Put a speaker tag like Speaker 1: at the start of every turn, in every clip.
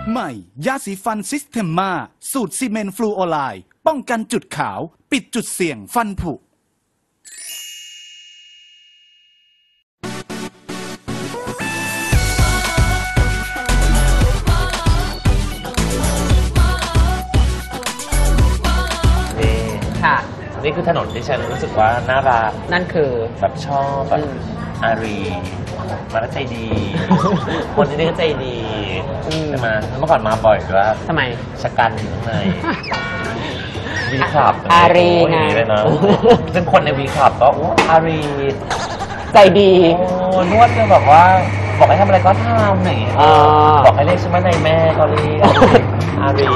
Speaker 1: ใหม่ยาสีฟันซิสเทมมาสูตรซีเมนต์ฟลูออไรด์ป้องกันจุดขาวปิดจุดเสี่ยงฟันผุ
Speaker 2: ค่ะ
Speaker 3: นี่คือถนนที่ฉันรู้สึกว่าน่ารัก
Speaker 2: นั่นคือ
Speaker 3: แบบชอบแบบอารีมาแล้วใจดี คนที่นี่ก็ใจดีใช่ไหมเมื่อก่อนมาบ่อยด้วย
Speaker 2: ทำไม
Speaker 3: ชะกันอยู่ข้างในวีคลับ
Speaker 2: อารีไง
Speaker 3: เลยนะซึ่งคนในวีคลับก็อารี
Speaker 2: ใจดี
Speaker 3: นวดก็แบบว่าบอกให้ทำอะไรก็ทำหนิบอกให้เรียกฉันว่านายแม่ก็เรียกอารี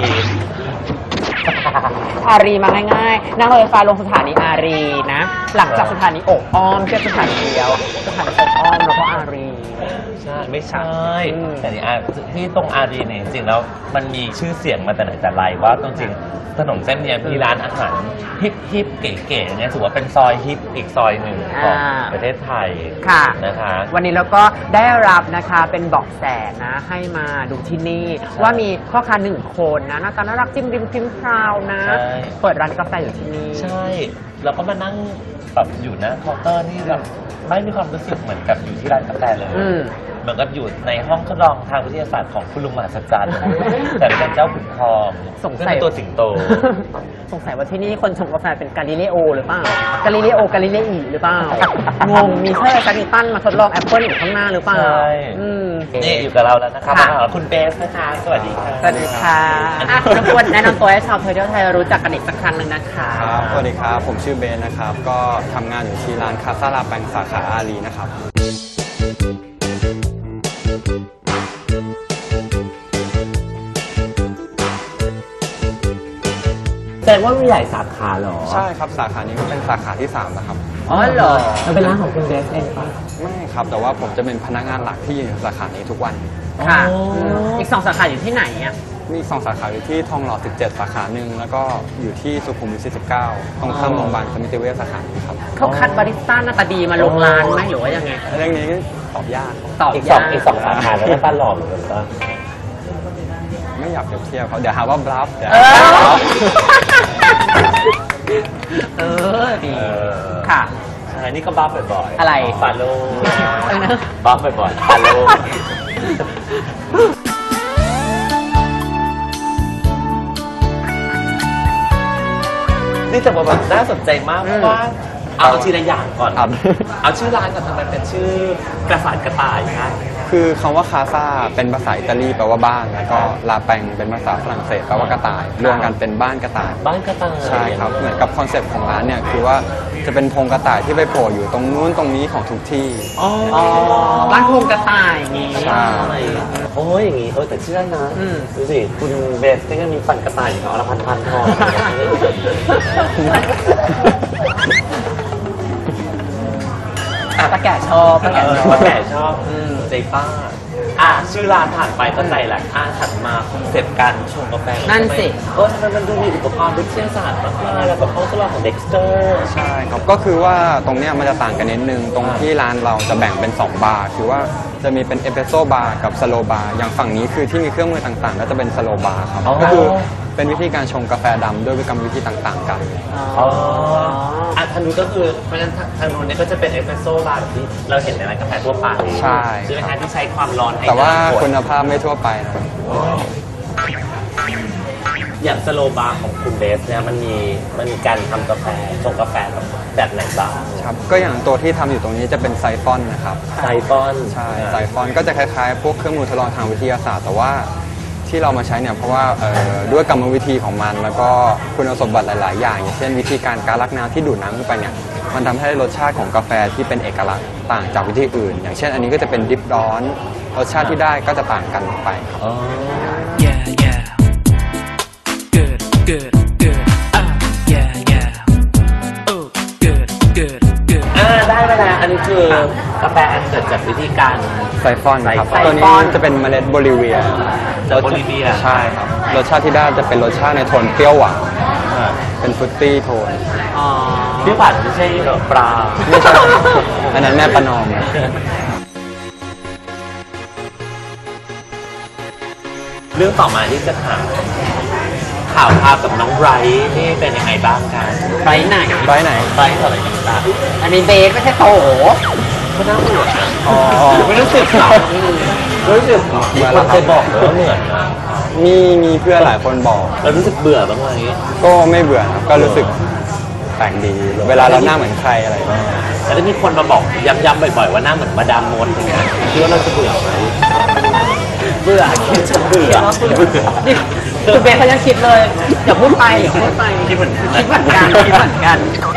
Speaker 2: อารีมาง่ายๆนั่งรถไฟฟ้าลงสถานีอารีนะหลังจากสถานีอกอ้อมแค่สถานีเดียวสถานีอกอ้อมแล้วก็อารี
Speaker 3: ใช่ไม่ใช่แต่ที่ตรงอารีเนี่ยจริงๆแล้วมันมีชื่อเสียงมาแต่ไหนแต่ไรว่าตรงจริงถนนเส้นนี้มีร้านอาหารฮิปเก๋ๆเนี่ยถือว่าเป็นซอยฮิปอีกซอยหนึ่งของประเทศไทย
Speaker 2: ค่ะ
Speaker 3: นะคะ
Speaker 2: วันนี้เราก็ได้รับนะคะเป็นเบาะแสนะให้มาดูที่นี่ว่ามีพ่อค้าหนึ่งคนนะหน้าตาน่ารักจิ้มริมพิมพ์พราวนะเปิดร้านกาแฟอยู่ที่นี่
Speaker 3: ใช่แล้วก็มานั่งแบบอยู่นะเคาน์เตอร์นี่แบบไม่มีความรู้สึกเหมือนกับอยู่ที่ร้านกาแฟเลยเหมือนกับอยู่ในห้องทดลองทางวิทยาศาสตร์ของคุณลุงมหัศจรรย์แต่เป็นเจ้าขุนทอง
Speaker 2: สงสัย
Speaker 3: ตัวสิงโต
Speaker 2: สงสัยว่าที่นี่คนชงกาแฟเป็นกาลิเลโอหรือเปล่ากาลิเลโอกาลิเลอีหรือเปล่างงมีเชอร์ซันนิตันมาทดลองแอปเปิลอยู่ข้างหน้าหรือเปล่าใช่
Speaker 3: นี่อยู่กับเราแล้วนะครับคุณเบสนะคะสวัสดีค่ะ
Speaker 2: สวัสดีค่ะรบกวนแนะนำตัวให้ชาวเทอร์เที่ยวไทยรู้จักกันอีกสักครั้งหนึ่งนะคะ
Speaker 4: สวัสดีครับผมชื่อเบสนะครับก็ทำงานอยู่ที่ร้านคาซาลาแปงสาขาอารีนะครับ
Speaker 3: แต่ว่ามีหลายสาขาเหรอ
Speaker 4: ใช่ครับสาขานี้ก็เป็นสาขาที่3นะครับ
Speaker 2: อ๋อเหรอมันเป็นร้านของคุณเบสเองปะ
Speaker 4: ไม่ครับแต่ว่าผมจะเป็นพนักงานหลักที่อยู่สาขานี้ทุกวัน
Speaker 2: ค่ะอีก2สาขาอยู่ที่ไหนอ่ะ
Speaker 4: มี2สาขาอยู่ที่ทองหล่อ17สาขาหนึ่งแล้วก็อยู่ที่สุขุมวิท49ตรงข้ามโรงพยาบาลสมิติเวชสาขานี้ครับ
Speaker 2: เขาคัดบาริสต้าหน้าตาดีมาลงร้านไหมหรือว่ายังไง
Speaker 4: เรื่องนี้ตอบยาก
Speaker 3: อีก2สาขาแล้วก็ตลอดเหมือนกันปะ
Speaker 4: ไม่อยากเปรียบเทียบเขาเดี๋ยวหาว่าบลัฟ
Speaker 2: ดีค่ะ
Speaker 3: อันนี้ก็บัฟบ่อยๆ
Speaker 2: อะไร
Speaker 3: ฟาโลบัฟบ่อยๆฟาโลนี่แต่ว่าน่าสนใจมากเพราะว่าเอาทีละอย่างก่อนเอาชื่อร้านก่อนทำไมเป็นชื่อกระสานกระต่ายครับ
Speaker 4: คือคำว่าคาซาเป็นภาษาอิตาลีแปลว่าบ้านแล้วก็ลาแปงเป็นภาษาฝรั่งเศสแปลว่ากระต่ายรวมกันเป็นบ้านกระต่าย
Speaker 3: บ้านกระต่าย
Speaker 4: ใช่ครับเหมือนกับคอนเซ็ปต์ของร้านเนี่ยคือว่าจะเป็นธงกระต่ายที่ไปโผล่อยู่ตรงนู้นตรงนี้ของทุกที่
Speaker 2: ร้านธงกระต่ายอย่างนี้
Speaker 4: ใช่
Speaker 3: โอ้ยอย่างนี้แต่เชื่อนะดูสิคุณเบสก็มีปั่นกระต่ายอยู่เอาละพันทอง
Speaker 2: ป้าแก่ชอบป้าแ
Speaker 3: ก่ชอบใจป้าชื่อร้านผ่านไปก็ใจแหละถัดมาคอนเซ็ปต์การชงกาแฟ
Speaker 2: นั่นสิ
Speaker 3: ทำไมมันดูมีอุปกรณ์วิทยาศาสตร์มากๆแล้วก็ห้องทดลองของเด็กสเตอร์
Speaker 4: ใช่ครับก็คือว่าตรงเนี้ยมันจะต่างกันนิดนึงตรงที่ร้านเราจะแบ่งเป็น2บาร์คือว่าจะมีเป็นเอสเปรสโซ่บาร์กับสโลบาร์อย่างฝั่งนี้คือที่มีเครื่องมือต่างๆก็จะเป็นสโลบาร์ครับก็คือเป็นวิธีการชงกาแฟดำด้วยกรรมวิธีต่างๆกัน
Speaker 3: ทางนู้นก็คือเพราะฉะนั้นทางนู้นเนี่ยก็จะเป็นเอสเปรสโซ่บาร์แบบที่เราเห็นในร้านกาแฟทั่วไป
Speaker 4: ใช่
Speaker 3: คือเป็นการที่ใช้ความร้อน
Speaker 4: แต่ว่าคุณภาพไม่ทั่วไปนะ
Speaker 3: อย่างสโลบาร์ของคุณเบสเนี่ยมันมีการทำกาแฟชงกาแฟแบบไหนบ้าง
Speaker 4: ครับก็อย่างตัวที่ทำอยู่ตรงนี้จะเป็นไซฟอนนะครับ
Speaker 3: ไซฟอน
Speaker 4: ใช่ไซฟอนก็จะคล้ายๆพวกเครื่องมือทดลองทางวิทยาศาสตร์แต่ว่าที่เรามาใช้เนี่ยเพราะว่าด้วยกรรมวิธีของมันแล้วก็คุณสมบัติหลายๆอย่างอย่างเช่นวิธีการลักน้ำที่ดูดน้ำขึ้นไปเนี่ยมันทำให้รสชาติของกาแฟที่เป็นเอกลักษณ์ต่างจากวิธีอื่นอย่างเช่นอันนี้ก็จะเป็นดิฟร้อนรสชาติที่ได้ก็จะต่างกันไป
Speaker 3: ได้เวลาอันนี้คือกาแฟอันเกิดจากวิธีการ
Speaker 4: ไซฟอนครับตัวนี้จะเป็นเมล็ดโบลิเวียใช่ครับรสชาติที่ได้จะเป็นรสชาติในโทนเปรี้ยวหวานเป็นฟรุตตี้โทน
Speaker 3: พี่ผัดไม่ใช่ปลา
Speaker 4: ไม่ใช่อันนั้นแม่ประนอม
Speaker 3: เรื่องต่อมาที่จะถามข่าวพากับน้องไบรท์นี่เป็นยังไงบ้างกัน
Speaker 2: ไปไหน
Speaker 4: ไปไหน
Speaker 3: ไบรท์เท่าไหร่กันบ้าง
Speaker 2: อันนี้เบสไม่ใช่โต
Speaker 3: ก็น่าเบื่อนะ
Speaker 4: อ๋อ
Speaker 3: ไม่รู้สึกหรอรู้สึกมีคนเคยบอกเลยว่าเหนื่อยนะ
Speaker 4: มีเพื่อนหลายคนบอก
Speaker 3: แล้วรู้สึกเบื่อบ้างไหม
Speaker 4: ก็ไม่เบื่อครับก็รู้สึกแปลกดี เวลาเราหน้าเหมือนใครอะไรอย่างเงี้ย
Speaker 3: แต่ถ้ามีคนมาบอกย้ำๆบ่อยๆว่าหน้าเหมือนมาดามมดอย่างเงี้ยคิดว่าเราจะเบื่อไหม
Speaker 2: เบื่อ
Speaker 3: คิดจะเบื่อ
Speaker 2: นี่คือเบสเขายังคิดเลยอย่าพูดไปอย่าพูดไป
Speaker 3: คิดเหมือน
Speaker 2: คิดเหมือนกันคิดเหมือนกัน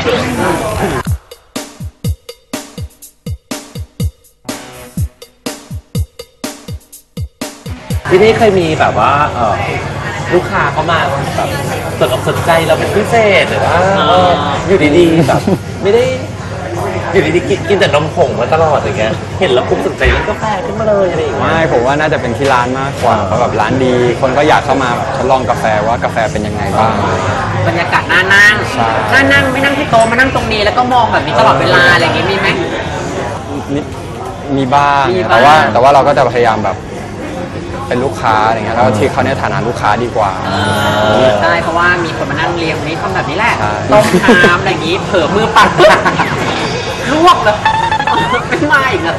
Speaker 3: ที่นี่เคยมีแบบว่าลูกค้าเข้ามาแบบสนอกสนใจเราเป็นพิเศษหรือว่าอยู่ดีๆแบบไม่ได้อยู่ดีๆกินแต่นมผงมาตลอดอย่างเงี้ยเห็นแล้วคุ้มสนใจเรื่องกาแฟขึ้นมาเลยอะไรอย่างเงี้ย
Speaker 4: ไม่ผมว่าน่าจะเป็นที่ร้านมากกว่าเพราะแบบร้านดี คนก็อยากเข้ามาแบบทดลองกาแฟว่ากาแฟเป็นยังไงบ้าง
Speaker 2: บรรยากาศน่านั่ง
Speaker 4: ใช่
Speaker 2: น่านั่งไม่นั่งที่โต๊ะมานั่งตรงนี้แล้วก็มองแบบนี้ตลอดเวลาอะไรอย่างงี้มีไหม
Speaker 4: นิดมีบ้าง
Speaker 2: มีบ้าง
Speaker 4: แต่ว่าเราก็จะพยายามแบบเป็นลูกค้าอะไรเงี้ยแล้วที่เขาในฐานะลูกค้าดีกว่า
Speaker 2: ใช่เพราะว่ามีคนมานั่งเรียงนี้ทำแบบนี้แหละ
Speaker 4: ใช่
Speaker 2: ต้มน้ำอะไรอย่างงี้เผลอมือปัดลวกเลยไม่มาอีกเลย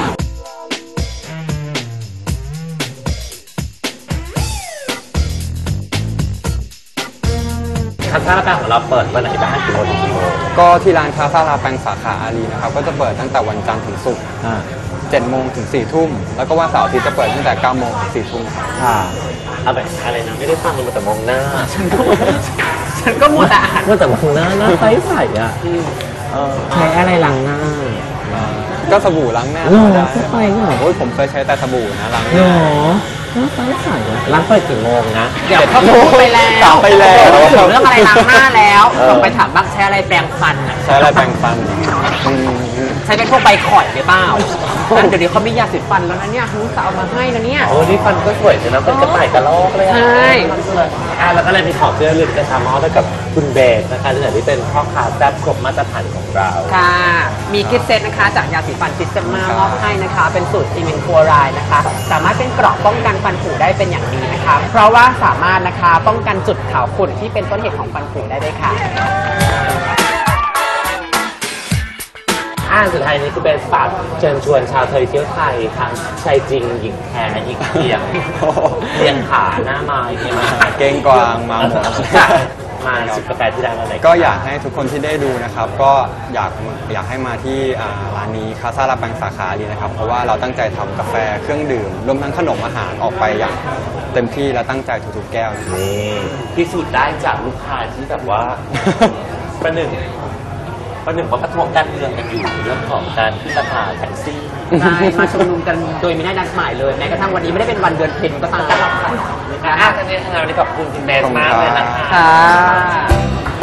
Speaker 3: คาซ่าแปงของเราเปิดวันไหนบ้างกี่โมงถึงกี่โมง
Speaker 4: ก็ที่ร้านคาซาลาแปงสาขาอารีนะครับก็จะเปิดตั้งแต่วันจันทร์ถึงศุกร์7 โมงถึง 4 ทุ่มแล้วก็วันเสาร์อาทิตย์จะเปิดตั้งแต่ 9 โมงถึง 4 ทุ่มครับ
Speaker 3: เอาแบบอะไรนะไม่ได้ฟังเลยแต่มองหน้า
Speaker 2: ฉันก็มัวแต่อ่าน
Speaker 3: ว่าแต่มองหน้าหน้าใสๆอ่ะใช้อะไรล้างหน้า
Speaker 4: ก็สบู่ล้างหน้า
Speaker 3: หรอ
Speaker 4: ได้
Speaker 3: ใช่เหรอ
Speaker 4: โอ้ยผมเคยใช้แต่สบู่นะล้างห
Speaker 3: หร
Speaker 4: น้า
Speaker 3: อหน้าใสๆอ่ะร้านเปิดกี่โมงนะ
Speaker 2: เดี๋ยวเขาพูดไปแล้ว
Speaker 4: ถามไปแล้ว
Speaker 2: พูดถึงเรื่องอะไรล้างหน้าแล้วลองไปถามบ้างใช้อะไรแปรงฟันอะ
Speaker 4: ใช้อะไรแปรงฟันอืม
Speaker 2: ใช้เป็นพวกใบข่อยหรือเปล่าเดี๋ยวนี้เขามียาสีฟันแล้วนะเนี่ยคุณสาวเอามาให้นะเนี่ย
Speaker 3: โอ้นี่ฟันก็สวยใช่ไหมเป็นกระต่ายกระรอกเลย
Speaker 2: ใช่
Speaker 3: แล้วก็เลยมีของเสื้อลึกกระชามอสกับคุณเบสนะคะที่เป็นพ่อค้าแซ่บครบมาตรฐานของเรา
Speaker 2: ค่ะ มีกิฟต์เซตนะคะจากยาสีฟันซิสเตมมามอบให้นะคะ เป็นสูตรซีเมนต์ฟลูออไรด์นะคะ สามารถเป็นเกราะป้องกันฟันผุได้เป็นอย่างดีนะคะ เพราะว่าสามารถนะคะป้องกันจุดขาวขุ่นที่เป็นต้นเหตุของฟันผุได้ด้วยค่ะ
Speaker 3: สุดท้ายนี้คือเป็นฝากเชิญชวนชาวไทยเที่ยวไทยทั้งชายจริงหญิงแท้อีกเพียงเรียงขาหน้าไม้ใช่ไหม
Speaker 4: เก้งกวางมาหมด
Speaker 3: มาจิบกาแฟที่ร้านอะไร
Speaker 4: ก็อยากให้ทุกคนที่ได้ดูนะครับ ก็อยากให้มาที่ร้านนี้คาซาลาแปงสาขาอารีนะครับ เพราะว่าเราตั้งใจทำกาแฟเครื่องดื่มรวมทั้งขนมอาหารออกไปอย่างเต็มที่และตั้งใจทุกๆแก้วนะครับ
Speaker 3: นี่พิสูจน์ได้จากลูกค้าที่แบบว่า ประหนึ่งว่าประท้วงการเมืองกันอยู่เรื่องของการขึ้นราคาแท็กซี่
Speaker 2: ใช่มาชุมนุมกันโดยไม่ได้นัดหมายเลยแม้กระทั่งวันนี้ไม่ได้เป็นวันเดือนเพ็ญก็ตาม
Speaker 3: ทั้งนี้ทั้งนั้นวันนี้ขอบคุณคุณเบสมากเลยนะคะ
Speaker 2: ค่ะ